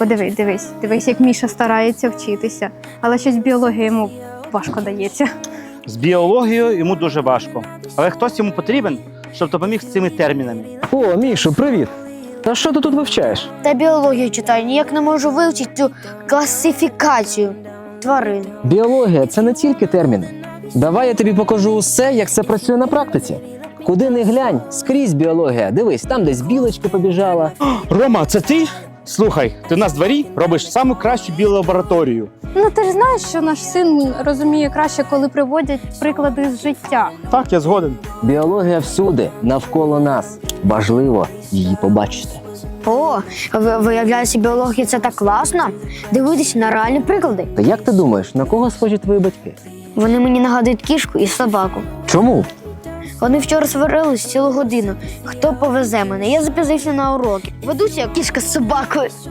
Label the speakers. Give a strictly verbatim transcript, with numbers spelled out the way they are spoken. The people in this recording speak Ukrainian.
Speaker 1: подивись, дивись, дивись, як Міша старається вчитися, але щось біологія йому важко дається.
Speaker 2: З біологією йому дуже важко. Але хтось йому потрібен, щоб допоміг з цими термінами.
Speaker 3: О, Мішу, привіт! Та що ти тут вивчаєш?
Speaker 4: Та біологію читаю, ніяк не можу вивчити цю класифікацію тварин.
Speaker 3: Біологія – це не тільки терміни. Давай я тобі покажу усе, як це працює на практиці. Куди не глянь, скрізь біологія. Дивись, там десь білочка побіжала.
Speaker 2: Рома, це ти? Слухай, ти в нас в дворі робиш саму кращу біолабораторію.
Speaker 1: Ну ти ж знаєш, що наш син розуміє краще, коли приводять приклади з життя.
Speaker 2: Так, я згоден.
Speaker 3: Біологія всюди, навколо нас. Важливо її побачити.
Speaker 4: О, ви- виявляється, біологія це так класно. Дивитися на реальні приклади.
Speaker 3: Та як ти думаєш, на кого схожі твої батьки?
Speaker 4: Вони мені нагадують кішку і собаку.
Speaker 3: Чому?
Speaker 4: Вони вчора сварились цілу годину. Хто повезе мене? Я запізнився на уроки. Ведуся як кішка з собакою.